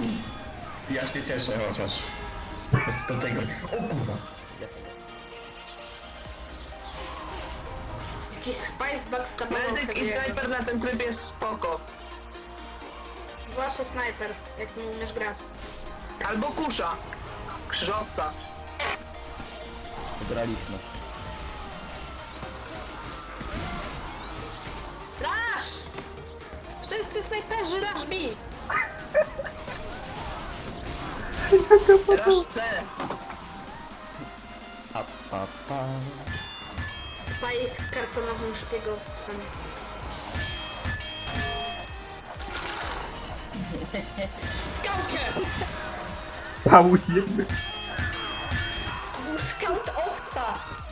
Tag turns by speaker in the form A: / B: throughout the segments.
A: Ja się cieszę chociaż. Do tego. O kurwa.
B: Jakiś Spicebox stamował
C: Medyk i snajper na tym trybie jest spoko.
B: Zwłaszcza snajper, jak ty umiesz grać.
C: Albo kusza. Krzyżowca.
D: Wygraliśmy.
B: Rush! To jest te snajperzy, rush B!
C: Teraz C.
D: Pa.
B: Spy z kartonowym szpiegostwem. Skaucie!
E: Pałujemy.
B: Był skaut owca!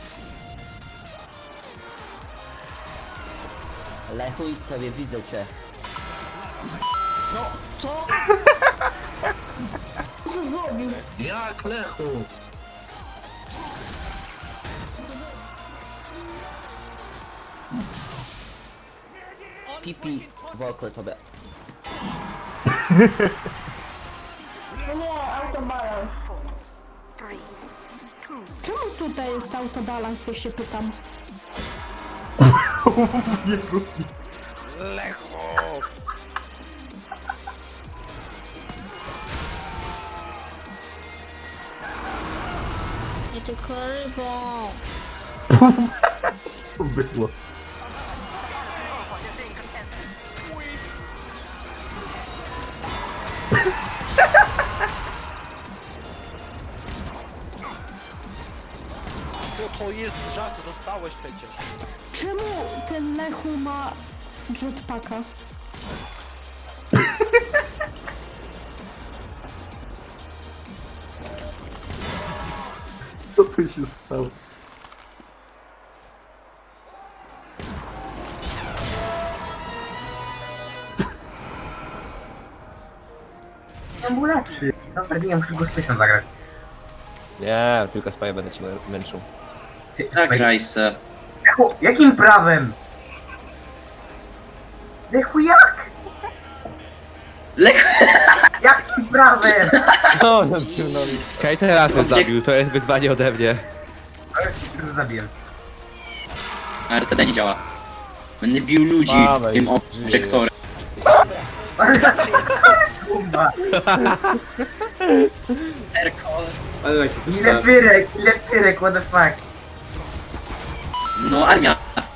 D: Lechu, idź sobie, widzę cię. No, co?
B: Co zrobił?
A: Jak Lechu?
D: Pipi w oko tobie.
F: Czemu tutaj jest autobalans, ja się pytam?
E: Nie próbuj.
F: Nie tylko rybą.
E: Co było?
G: To jest żart, dostałeś przecież.
F: Czemu ten Lechu ma jetpacka?
E: Co tu się stało?
H: On był lepszy. Zabiję, muszę go z zagrać.
G: Nie, tylko spaję będę cię męczył.
H: Zagraj se. Jakim prawem? Lechu, jak? Lechu! Jakim prawem?
G: Co no pierdolę. Kajtera ty zabił, to jest wyzwanie ode mnie.
H: Ale się zabiję.
I: Ale to nie działa. Będę bił ludzi
G: Dawaj,
I: tym
G: żyjesz.
I: obiektorem.
H: Kurwa.
I: Erkol.
H: Ile pyrek, what the fuck?
I: No armia.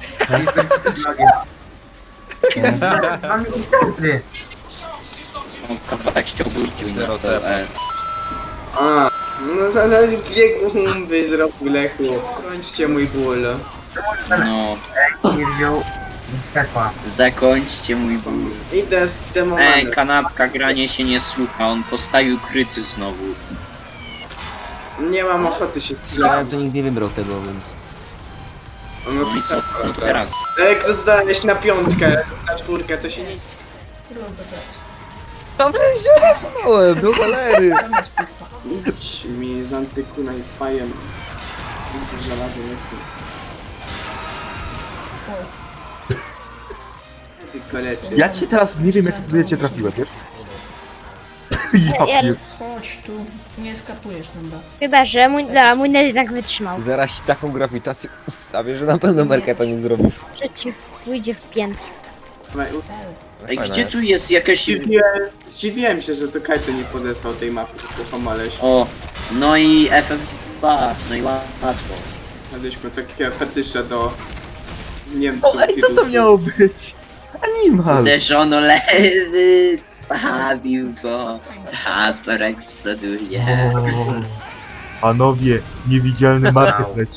H: Mam inserty.
I: Mam kawałek ściągnięciu i na CS.
J: A, no zaraz dwie gumby zrobił Lechu. Kończcie mój ból.
I: No,
H: Nie wziął Stefa.
I: zakończcie mój ból.
J: Idę z demomany.
I: Ej, kanapka, granie się nie słucha, on postawił kryty znowu.
J: Nie mam ochoty się strzelać.
G: to nikt nie wybrał tego, więc...
J: On
I: No i co? No to teraz.
J: Jak to zdałeś na piątkę, na czwórkę, to się nie...
G: Dobrze się napadałem, do cholery!
J: Idź mi z antykuna i spajem. Z żelazem jest. Tylko leczy.
E: Ja ci teraz nie wiem, jak to cię trafiłem, wiesz? Ja pier...
F: Chodź tu, nie skapujesz chyba.
K: Chyba, że mój net jednak wytrzymał.
G: Zaraz ci taką grawitację ustawię, że na pewno Merkę to nie zrobisz.
K: Że ci pójdzie w piętę.
I: Ej, gdzie tu jest jakaś...
J: Zdziwiłem się, że to Kajto nie podesłał tej mapy, tylko pomaleś.
I: O, no i FF2, no i łatwo.
J: Mieliśmy takie fetysze do Niemców.
E: O, ej, co to miało być? Animal!
I: Uderzono lewy, bawił go, Hazor eksploduje.
E: Panowie, niewidzialny market leci.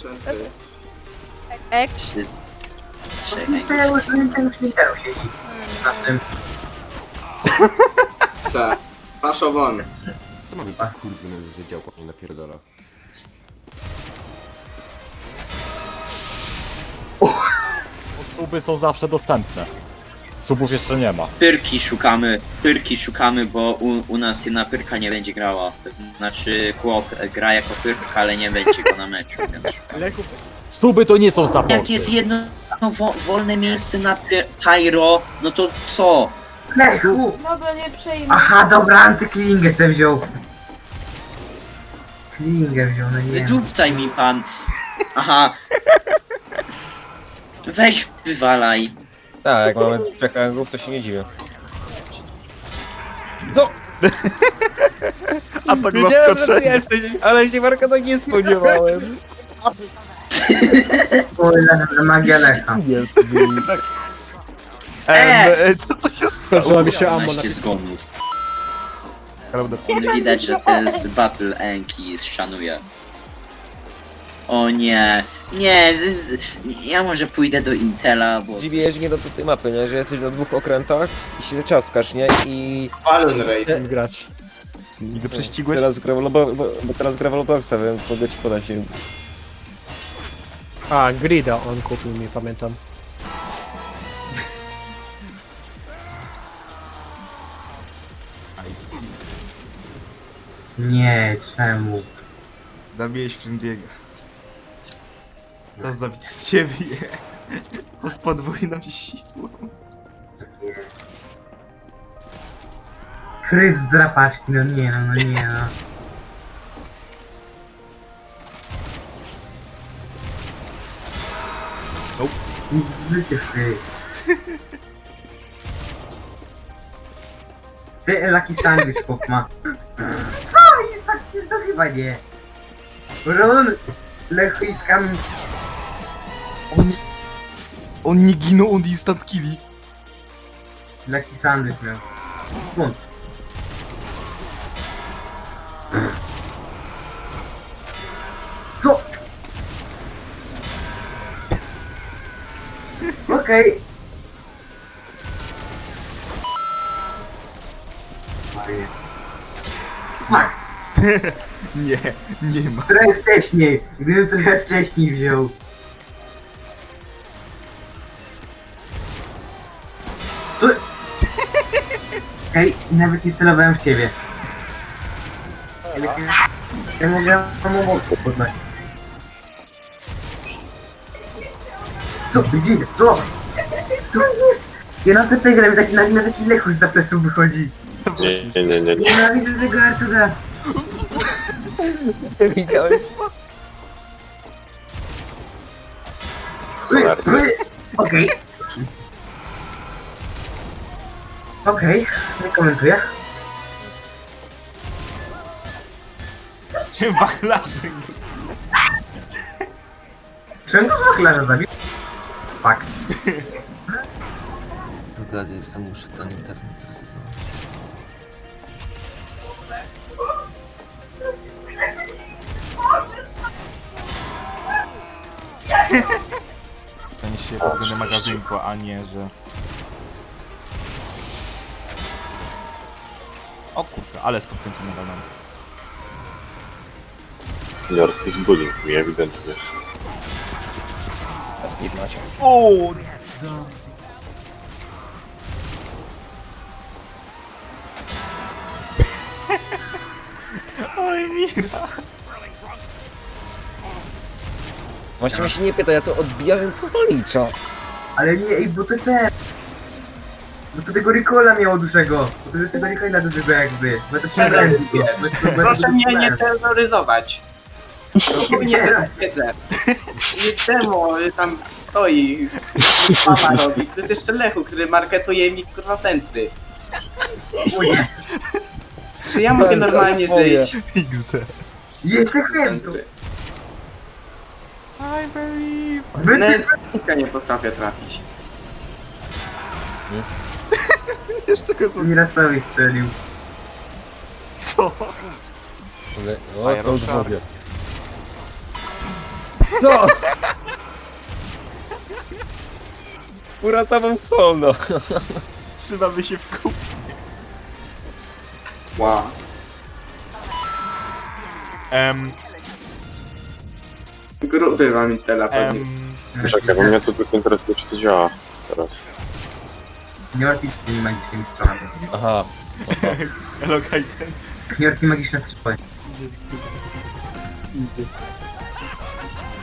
K: Eks.
H: To już w Nintendo siedzi. Na tym.
J: Co? Paszo won.
G: To mamy kurwy, że działko nie napierdala.
L: Suby są zawsze dostępne. Subów jeszcze nie ma.
I: Pyrki szukamy, bo u nas jedna pyrka nie będzie grała. To znaczy chłop gra jako pyrka, ale nie będzie go na meczu, więc szukamy.
L: Suby to nie są supporty.
I: Jak jest jedno wolne miejsce na pyro, no to co?
H: Lechu!
F: Dobra, nie przejmę.
H: Aha, dobra, antyklingę sobie wziął. Klingę wziął, no nie.
I: Wydupcaj mi pan. Aha. Weź wywalaj.
G: Tak, jak mamy 3 rangów, to się nie dziwię. Co?
E: Atak
G: Wiedziałem, że ty
E: zaskoczenia.
G: jesteś, ale się Marka tak nie spodziewałem.
H: Kurde, magia Lecha.
E: Co to się stało?
L: Skończyła mi się ammo na
I: 12 zgonów.
E: Prawda.
I: Widać, że to jest Battle Enk i szanuję. O nie. Nie, ja może pójdę do Intela, bo...
G: Dziwię mnie do tej mapy, nie? Że jesteś na 2 okrętach i się czaskasz, nie? I
J: Balloon Race.
L: grać.
E: Nigdy prześcigłeś?
G: teraz gra bo teraz gra w Robloxa, więc mogę ci podać się.
L: A, Grida on kupił mi, pamiętam.
E: I see.
H: Nie, czemu?
E: Zabiłeś Frindiego. Teraz zabić ciebie. Bo z podwójną siłą.
H: Kryt z drapaczki, no nie no, no nie no.
E: Nope.
H: Życie kryt. Ty, Lucky Sandwich chłop ma. Co? Jest to chyba nie. Run! Lechu i skam.
E: On nie ginął, on instant killi.
H: Lucky Sandwich miał. Skąd? Co? Okej. Fuck.
E: Nie, nie ma.
H: Trochę wcześniej. Gdybym trochę wcześniej wziął. Ej, nawet nie celowałem w ciebie. Ja mogę pomogę poznać. Co ty dzieje? Co? Co jest? Ja na tę grę na taki lechu z pleców wychodzi.
E: Nie.
H: Nienawidzę tego Artura.
G: Widziałeś?
H: Okej. Okej, nie komentuję.
E: Cię wachlarzy.
H: Czemu wachlarza zabił? Fuck.
D: Zgadza się, muszę ten internet zresetować.
E: To nie się pozbędę magazynku, a nie, że... O kurka, ale skonkręcony balon.
M: Jarski zbudził mi ewidentnie.
G: Nie macie.
E: O! Oj, Mira.
G: Właśnie mnie się nie pyta, ja to odbijałem, to zalicza.
H: Ale nie, ej, bo to te... Bo to tego Ricola miało dużego. Bo to tego Ricola dużego jakby. Bo to trzeba ręki.
J: Proszę mnie nie terroryzować. Spokojnie sobie wiedzę. Jest demo, tam stoi, mama robi. To jest jeszcze Lechu, który marketuje mi kurwa centry. Czy ja mogę normalnie zejść?
E: XD.
H: Jeszcze chętu.
J: Nawet z nie potrafię trafić.
E: Jeszcze go zło...
H: Mirasowi strzelił.
E: Co?
G: O, są dwoje. No! Uratował solo.
E: Trzymamy się w kupie.
J: Wow. Gruby wam Intela pewnie.
M: Czekaj, bo mnie to tylko interesuje, czy to działa teraz.
H: Nie martwić się tymi magicznymi stronami.
G: Aha.
E: Hello, Kaiten.
H: Nie martwić magiczne strzały.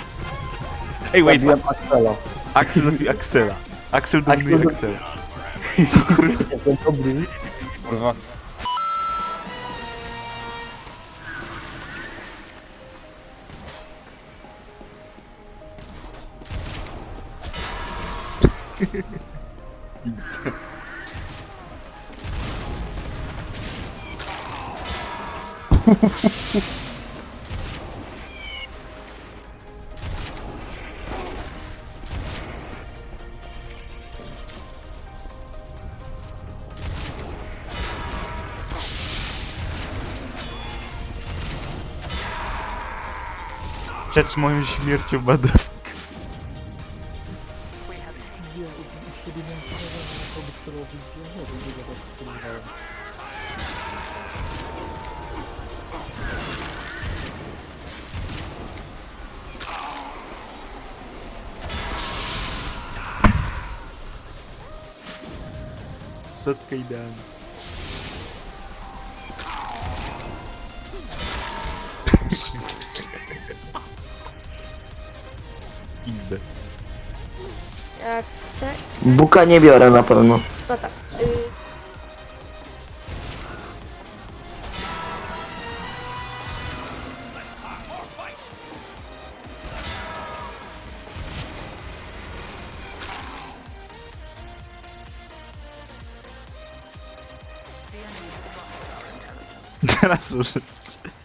E: Ej, wait,
L: Zabiłem Axela.
E: Axel zabił Axela. Axel dominuje Axela.
L: Jestem dobry.
G: Kurwa.
E: Przed moją śmiercią badawka. Setka idealna. XD.
B: Jak te...
D: Buka nie biorę na pewno.
B: No tak.
E: Teraz użyć.